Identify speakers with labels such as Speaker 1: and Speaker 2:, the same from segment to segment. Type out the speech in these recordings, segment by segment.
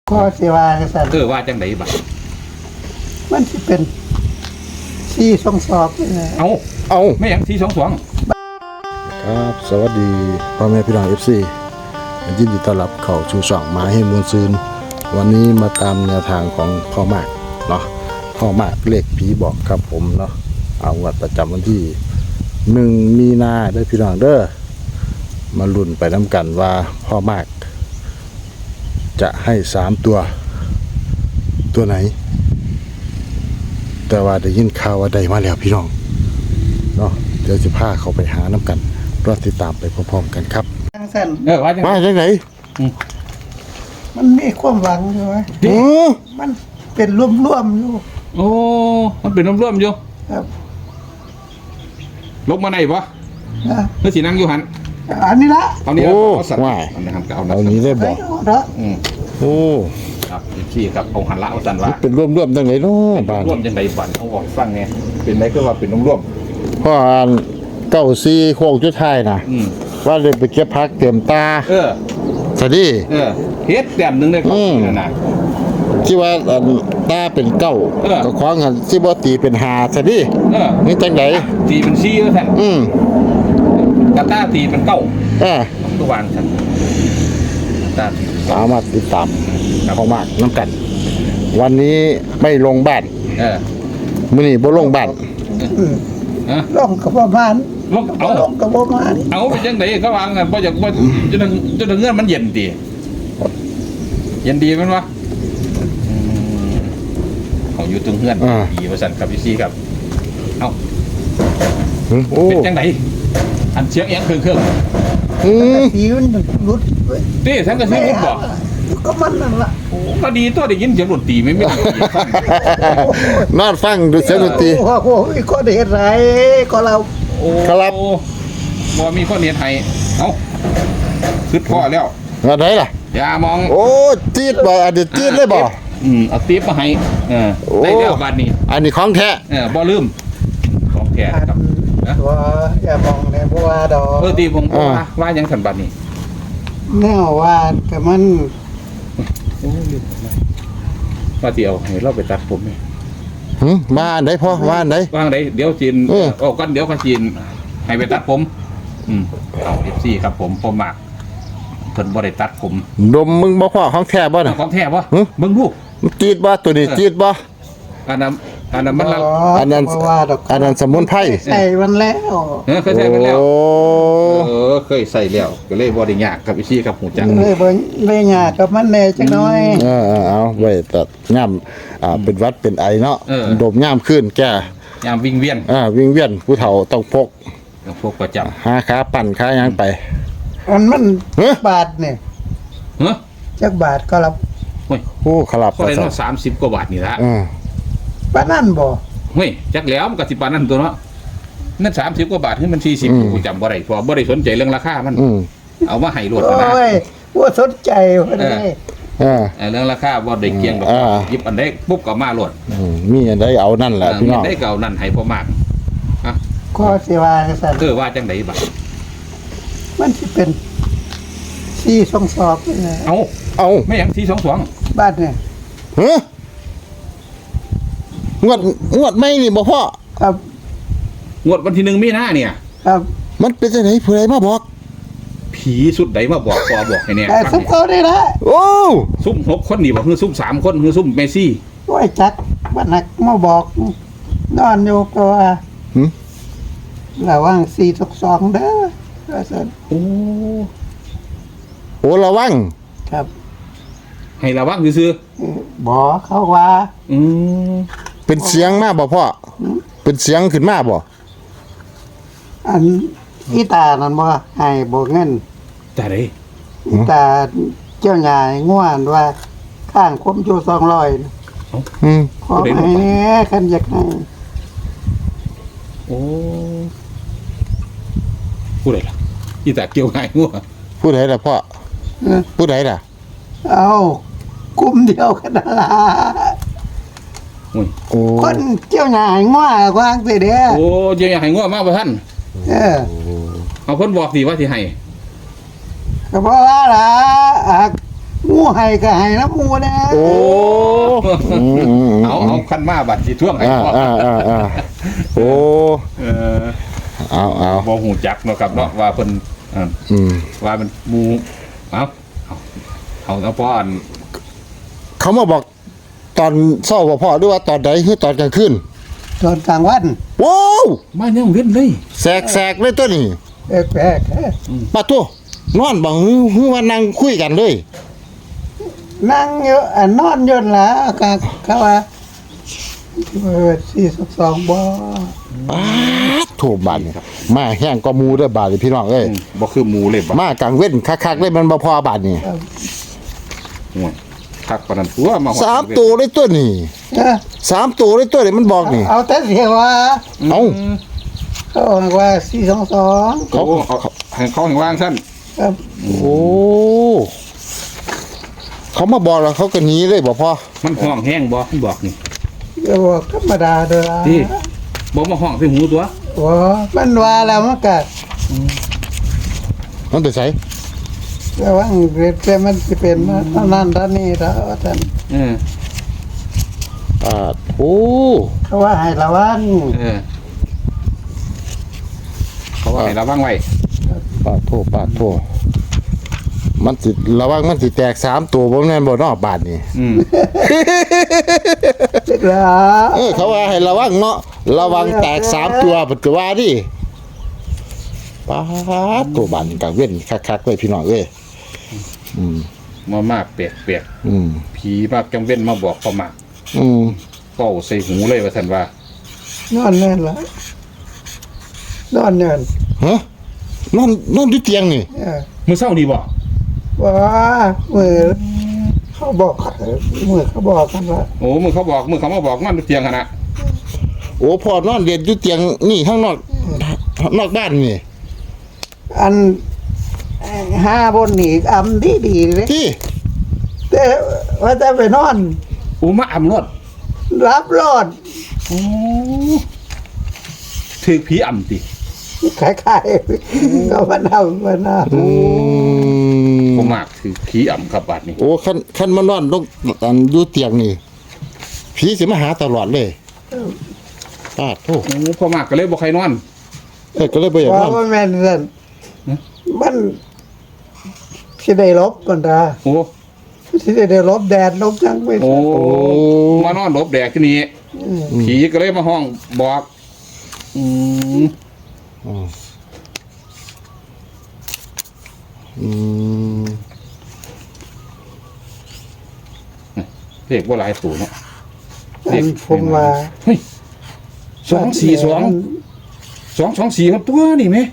Speaker 1: ก็สิว่าจังซั่น
Speaker 2: ว่าจังไดบัด
Speaker 1: มันสิเป็น422นี่แหละ
Speaker 2: เอาไม่หยัง422
Speaker 3: ครับสวัสดีพ่อแม่พี่น้อง FC ยินดีต้อนรับเข้าสู่ช่องหมาให้มวลซืนวันนี้มาตามแนวทางของพ่อมากเนาะพ่อมากเลขผีบอกครับผมเนาะเอางวดประจำวันที่1 มีนาได้พี่น้องเด้อมาลุ้นไปน้ำกันว่าพ่อมากจะให้3ตัวไหนแต่ว่าได้ยินข่าวว่าได้มาแล้วพี่น้องเนาะเดี๋ยวจะพาเขาไปหาน้ำกันรอติดตามไปพร้อมๆกันครับ
Speaker 1: จังซั่น
Speaker 2: ว่าจัง
Speaker 3: มาจากไหน
Speaker 1: มันมีความหวังอยู่ไหมมันเป็นร่วมๆอยู่
Speaker 2: โอ้มันเป็นร่วมๆอยู่
Speaker 1: ครับ
Speaker 2: ลบมาไหนบ่
Speaker 1: นะ
Speaker 2: คือสินั่งอยู่หั่น
Speaker 1: อันนี้ละ
Speaker 2: เอานี่
Speaker 3: โอ้
Speaker 2: เอาสัตว์
Speaker 3: ว่า
Speaker 2: เอานะครับก็เอา
Speaker 3: เอานี้ได้บอก
Speaker 1: เนาะ
Speaker 3: โอ้
Speaker 2: ครับพี่ครับเอาหันละเอาสันว่า
Speaker 3: เป็นร่วมๆจังไหนเนาะบ้าน
Speaker 2: ร่วมจังไดบัดเอาบอกฟังไงเป็นไรก็ว่าเป็นร่วม
Speaker 3: พ่ออ่าน94โคกจุดท้ายนะว่าเลยไปเก็บพักเต็มตาสวัสดี
Speaker 2: เฮ็ดแต้มนึงได้ครับนั่นน่ะ
Speaker 3: ที่ว่าตาเป็นเก้าก็คว้างหันสิบ่ตีเป็น5สวัสดีนี่จังได๋
Speaker 2: ตีเป็น4แล้วท่าน กาตาตีเป็น9ทุกวันท่านตา
Speaker 3: สามารถติดตามพ่อมากน้ำกัน วันนี้ไม่ลงบ้านมื้อนี้บ่ลงบ้าน
Speaker 1: ลงกับประมาณ
Speaker 2: ลงเอา
Speaker 1: ลงกับประมาณ
Speaker 2: เอาเป็นจังไดเขาวางกันบ่อยากบ่จนเงื่อนมันเย็นดีเย็นดีมันวะเขาอยู่ตรงเงื่อนดีว่าสั่นครับพี่ซีครับเอ้า
Speaker 3: โอ้
Speaker 2: เป็นจังไดอันเสียงเอียงเครื่อง
Speaker 1: สีมันหลุดเว้ย
Speaker 2: ตีทั้งกระซิบบอก
Speaker 1: ก็มันนั่นล่ะ
Speaker 2: ก็ดีตัวได้ยินเสียงดนตรีไม่
Speaker 3: นอนฟังดูเสียงดนตรี
Speaker 1: โอ้โหคนเฮ็ดไรก็เรา
Speaker 3: ครับ
Speaker 2: บ่มีข้อเนียนไทยเอ้าคือพ่อแล้ว
Speaker 3: ว่าไดล่ะ
Speaker 2: อย่ามอง
Speaker 3: โอ้จี๊ดบ่อันนี้จี๊ดเลยบ่
Speaker 2: เอาติ๊บมาให้ได้แล้วบัดนี้
Speaker 3: อันนี้ของแท้
Speaker 2: บ่ลืมของแท้ครับนะ
Speaker 1: ตัวอย่ามองในบัวดอก
Speaker 2: ตีผมว่ายังสันบัดนี้
Speaker 1: แนวว่าแต่มัน
Speaker 2: ว่าเดียวให้เราไปตัดผมไหม
Speaker 3: มาอันใดพ่อว่าอันใด
Speaker 2: ว่างไดเดี๋ยวจีนออกกันเดี๋ยวก็จีนให้ไปตัดผมเอาFCครับผมมากเพิ่นบ่ได้ตัดผม
Speaker 3: ดมมึงบ่พ่อของแท้บ่น่ะ
Speaker 2: ของแท้บ่เบิ่งดู
Speaker 3: จี๊ดบ่ตัวนี้จี๊ดบ่
Speaker 2: อันนั้นมันละ
Speaker 3: อันนั้น
Speaker 1: ว่าดอก
Speaker 3: อันนั้นสมุนไพร
Speaker 1: ใส่มันแล้ว
Speaker 2: เคยใส่ไปแล้ว
Speaker 3: โอ้
Speaker 2: เคยใส่แล้วก็เลยบ่ได้ยากกับอีซี่ครับหูจัง
Speaker 1: เลยเบิ่งเลยหยาดกับมันแน่จักหน่อย
Speaker 3: เอาไว้ตัดย่ำเป็นหวัดเป็นไอเนาะดมย่ำขึ้นแก่
Speaker 2: ยามวิ่งเวียน
Speaker 3: วิ่งเวียนผู้เฒ่าต้องพก
Speaker 2: พวกประจ
Speaker 3: หาขาปั่นขาหยังไป
Speaker 1: มันบาทเนี่ย
Speaker 2: ำเฮ้ย
Speaker 1: จักบาทก็รับ
Speaker 3: โอ้ขลับ
Speaker 2: ก็ได้เนาะ30กว่าบาทนี่ละ
Speaker 1: ปานนั่นบ่
Speaker 2: เฮ้ยจักแล้วมันก็สิปานนั้นตัวเนาะนั่น30กว่าบาทให้มัน40กูจำบ่ได้เพราะบ่ได้สนใจเรื่องราคามันเอามาให้รวดนะ
Speaker 1: โอ้ยว่าสนใจว่าได้
Speaker 2: เรื่องราคาบ่ได้เกี่ยงดอกหยิบอันใดปุ๊บก็มาโลด
Speaker 3: มีอันใดเอานั่นแหละพี่น้อง
Speaker 2: ได้เก่านั่นให้พอมาก
Speaker 1: ก็สิว่าจังซั่น
Speaker 2: ว่าจังไดบัด
Speaker 1: มันสิเป็น422นี่แหละ
Speaker 3: เอา
Speaker 2: ไม่หยัง422
Speaker 1: บาทเนี่ย
Speaker 3: ฮะงวดไม่นี่บ่พ่อ
Speaker 1: ครับ
Speaker 2: งวดวันที่1มีนาเนี่ย
Speaker 1: ครับ
Speaker 3: มันเป็นจังไดผู้ใดมาบอก
Speaker 2: ผีสุดใดมาบอกพอบอกให้แน่
Speaker 1: แต่ซุปเขาได้ละ
Speaker 3: โอ้
Speaker 2: ซุ่ม6คนนี่บ่คือซุ่ม3คนคือซุ่มเมซี่
Speaker 1: โอ้ยจักบ้านนักมาบอกนอนอยู่ก็ว่าระวัง422เด้อว่าซั่น
Speaker 2: โอ้
Speaker 3: ระวัง
Speaker 1: ครับ
Speaker 2: ให้ระวังซื่อ
Speaker 1: บ่เขาว่า
Speaker 3: เป็นเสียงมาบ่พ่อเป็นเสียงขึ้นมาบ่
Speaker 1: อันอีตานั่นบ่ให้บ่เงิน
Speaker 2: แต่ได
Speaker 1: อีตาเจ้าใหญ่ง่วนว่าข้างคมอยู่200นะขอให้แน่คันอยากให้
Speaker 2: โอ้ผู้ใดล่ะอีตาเกี่ยวง่ายงัว
Speaker 3: ผู้ใดล่ะพ่อผู้ใดล่ะ
Speaker 1: เอากลุ่มเดียวกันนั่นล่ะ
Speaker 3: โอ้
Speaker 1: คนเจ้าใหญ่ง่วกวางสิเด้อ
Speaker 2: โอ้เจียวอยากให้งัวมากบ่ท่าน เอาเพิ่นบอกสิว่าสิให้
Speaker 1: ก็เพราะว่าล่ะหมูให้ก็ให้น้ำหมูนะ
Speaker 3: โอ้
Speaker 2: เอาขั้นมาบัดสิท่วงให้
Speaker 3: อ่า
Speaker 2: พ่อ
Speaker 3: โอ้
Speaker 2: เออ
Speaker 3: เอา
Speaker 2: บ่หูจักเนาะครับเนาะว่าเพิ่นว่ามันหมูเอาพ่ออัน
Speaker 3: เขามาบอกตอนเช้าบ่พ่อหรือว่าตอนใดคือตอนกลางคืน
Speaker 1: ตอนกลางวัน
Speaker 3: ว้าว
Speaker 2: มายังเว้นเลย
Speaker 3: แสกเลยตัวนี้
Speaker 1: แปลกๆ
Speaker 3: ปะตัวนอนบ่ฮือว่านั่งคุยกันเลย
Speaker 1: นั่งอยู่นอนอยู่ละก็เขาว่า422บ่
Speaker 3: ป๊าดโถบาดนี่มาแห้งก็มูเด้อบาดนี่พี่น้องเอ้ย
Speaker 2: บ่คือหมูเลยบ่
Speaker 3: มากลางเว้นคักๆเลยมันบ่พอบาดนี่
Speaker 2: ห่วยคักปานนั้นตัวมา
Speaker 3: สามตัวเลยตัวนี้
Speaker 1: เออ
Speaker 3: สามตัวเลยตัวนี้มันบอกนี่
Speaker 1: เอาแต่เสียว่า
Speaker 3: เอ้า
Speaker 1: เขาบอกว่า422
Speaker 2: เขาให้เขาให้วางซั่น
Speaker 1: ครับ
Speaker 3: โอ้เขามาบอกแล้วเขาก็หนีเลยบ่พ่อ
Speaker 2: มันห้องแห้งบ่มันบอกนี่
Speaker 1: ก็บอกธรรมดาเด้อ
Speaker 2: ที่บ่มาห้องใส่หูตัว
Speaker 1: ว่ามันว่าแล้วมันก็
Speaker 3: มันไปใส่
Speaker 1: ระวังแต่มันสิเป็นเท่านั้นเท่านี้แล้วท่าน
Speaker 3: โอ้
Speaker 1: เขาว่าให้ระวัง
Speaker 2: เขาว่าให้ระวังไว้
Speaker 3: ปาดโทมันสิระวังมันสิแตกสามตัวบ่แม่นบ่เนอกบาดนี่
Speaker 1: เสร็จแล้ว
Speaker 3: เขาว่าให้ระวังเนาะระวังแตกสามตัวปัจจุบันดิปาดตัวบานกลางเว้นคักๆเลยพี่น้องเอ้ย
Speaker 2: มากเปียก
Speaker 3: อืม
Speaker 2: ผีมาจังเว้นมาบอกเขามา เป้าใส่หูเลยว่าซั่นว่าน
Speaker 1: อนเล่นละนอนเนิน
Speaker 3: ฮะนอนอยู่เตียงนี่
Speaker 2: มื้อเช้านี่บ่
Speaker 1: ว่ามือเขาบอกมือเขาบอกกันว่า
Speaker 2: โอ้มื้อเขามาบอกนอนอยู่เตียงหั่นน่ะ
Speaker 3: โอ้พ่อนอนเรียนอยู่เตียงนี่ข้างนอกบ้านนี่
Speaker 1: อันห้าบนหนีอำดีเลย
Speaker 3: ที่
Speaker 1: แต่ว่าจะไปนอน
Speaker 2: โอ้มาอำรถ
Speaker 1: รับรอด
Speaker 2: โอ้ถึกผีอำติ
Speaker 1: ขายๆก็มาทำมาหน้า
Speaker 2: บ่มากถือผีอำครับบาดนี้
Speaker 3: โอ้คันมานอนลงอันอยู่เตียงนี่ผีสิมาหาตลอดเลยปาดโท
Speaker 2: โอ้พ่อมากก็เลยบ่ใครนอน
Speaker 3: ก็เลยบ่อยากน
Speaker 1: ว่า
Speaker 3: อน
Speaker 1: มันแม่นสั่นมันสิได้ลบกันตา
Speaker 2: โอ้
Speaker 1: สิได้ลบแดดลบจังไป
Speaker 2: โอ้มานอนหลบแดดที่นี่ผีก็เลยมาห้องบอกเลขว่าหลายตัวเนาะ
Speaker 1: ผมว่า
Speaker 2: เฮ้ย242ครับตัวนี่ไหม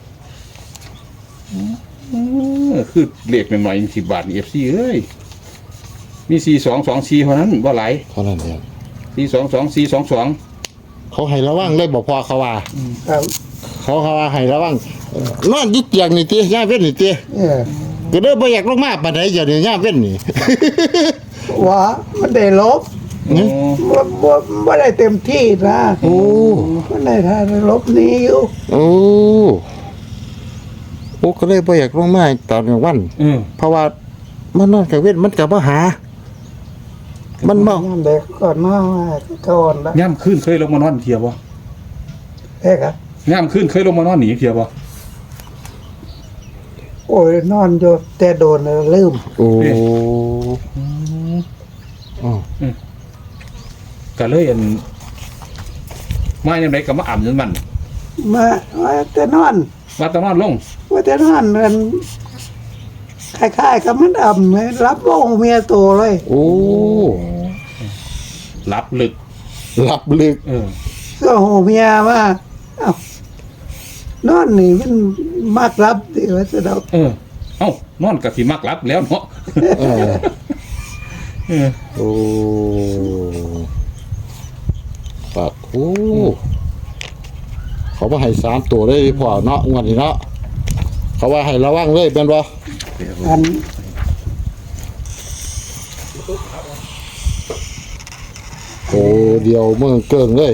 Speaker 2: คือเลขหน่อยๆ10 บาทนี่ FC เอ้ยมี4224เท่านั้นบ่หลาย
Speaker 3: เท่านั้นเอง
Speaker 2: 422
Speaker 3: เขาให้ระวังเลยบอกพอเขาว่า
Speaker 1: ครับ
Speaker 3: เขาว่าให้ระวังนอนอยึดเตียงนี่ตีย่าเว้นนี่ตี ก็เลยบ่อยากลงมาปานใดเดี๋ยวนี้ย่าเว้นนี่
Speaker 1: ว่ามันได้ลบบ่ได้เต็มที่นะ
Speaker 3: โอ้
Speaker 1: มันได้ทานลบนี้อยู่
Speaker 3: โอ้ก็เลยบ่อยากลงมาตอนกลางวันเพราะว่ามันนอนกลางเว้นมันก็บ่หา มันบ่
Speaker 1: ยามเด็กก่อนมาก่อนละ
Speaker 2: ย่ำขึ้นเคยลงมานอนเทียบ่
Speaker 1: เอ้ครับ
Speaker 2: ย่ำขึ้นเคยลงมานอนหนีเทียบ่
Speaker 1: โอ้ยนอนอยู่แต่โดนลืม
Speaker 3: โอ้
Speaker 2: ก็เลยอันมาอย่างไรก็มาอ่ำจนมัน
Speaker 1: มาแต่นอน
Speaker 2: ว่าแตะนอนลง
Speaker 1: ว่าแต่นอนมันคล้ายๆกับมันอ่ำเลยรับโองเมียโตเลย
Speaker 3: โอ้
Speaker 2: รับลึก
Speaker 3: หลับลึก
Speaker 1: ก็โหเมียว่าเอ้านอนนี่มันมากรับดิว่าจะดอก
Speaker 2: เอ้านอนกับสิมักรับแล้วเนาะ
Speaker 3: โอ้ปากโอ้เขาว่าให้3ตัวได้พอเนาะงวดนี้เนาะเขาว่าให้ระวังเลยเป็นบ่
Speaker 1: อัน
Speaker 3: โอ้เดียวเมืองเกิงเลย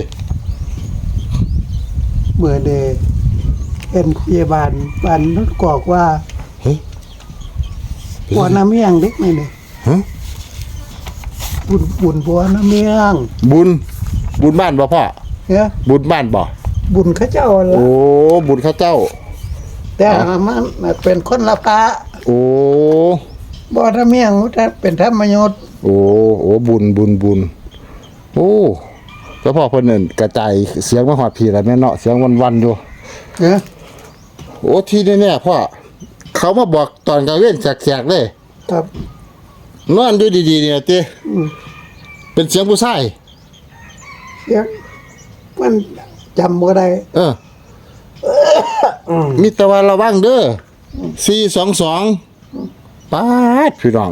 Speaker 1: เมื่อเดเป็นพยาบาลบ้านนุชกอกว่า
Speaker 3: เฮ้ย
Speaker 1: บัวน้ำเมียงเด็กนี่เลย
Speaker 3: ฮะ
Speaker 1: บุญบัวน้ำเมียง
Speaker 3: บุญบ้านบ่พ่อ
Speaker 1: เนี่ย
Speaker 3: บุญบ้านบ่
Speaker 1: บุญเข้าเจ้าละ
Speaker 3: โอ้บุญข้าเจ้า
Speaker 1: แต่มันเป็นคนละพระ
Speaker 3: โอ้
Speaker 1: บัวน้ำเมียงมันเป็นธรรมยศ
Speaker 3: โอ้บุญโอ้แล้วพ่อเพิ่นนั่นกระจายเสียงมาฮอดพี่แล้วแม่เนาะเสียงวันๆอยู่
Speaker 1: เนี่ย
Speaker 3: โอ้ที่แน่ๆพ่อเขามาบอกตอนกลางเว้นแสกๆเลย
Speaker 1: ครับ
Speaker 3: นอนอยู่ดีๆเนี่ยติเป็นเสียงผู้ชาย
Speaker 1: เสียงมันจำบ่ได้
Speaker 3: มีแต่ว่าระวังเด้อ422ป๊าดพี่น้อง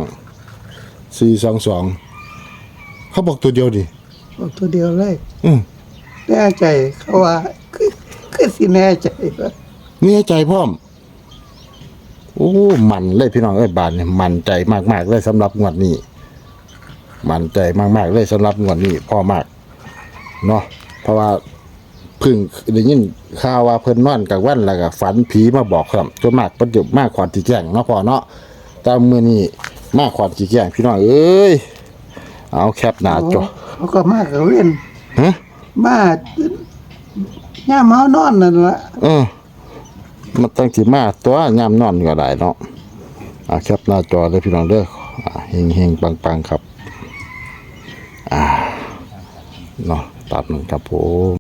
Speaker 3: 422เขาบอกตัวเดียวดิ
Speaker 1: เอาตัวเดียวเลย
Speaker 3: อืม
Speaker 1: แน่ใจเขาว่าคือสิแน่ใจว่า
Speaker 3: มีใจพร้อมโอ้มันเลยพี่น้องเอ้ยบานเนี่ยมันใจมากๆเลยสำหรับงวดนี้มันใจมากๆเลยสำหรับงวดนี้พ่อมากเนาะเพราะว่าเพึ่งได้ยินข่าวว่าเพิ่นนอนกลางวันแล้วก็ฝันผีมาบอกครับจนมากประเดี๋ยวมากขวัญสีแจ้งเนาะพ่อเนาะแต่มื้อนี้มากขวัญสีแจ้งพี่น้องเอ้ยเอาแคปหน้าจอ
Speaker 1: เขาก็มากกับเว้น
Speaker 3: ฮะ
Speaker 1: มาย่ามเฮานอนนั่นล่ะ
Speaker 3: มันตั้งสิมาตัวยามนอนก็ได้เนาะแคปหน้าจอเลยพี่น้องเด้อเฮงๆปังๆครับเนาะตามนั้นครับผม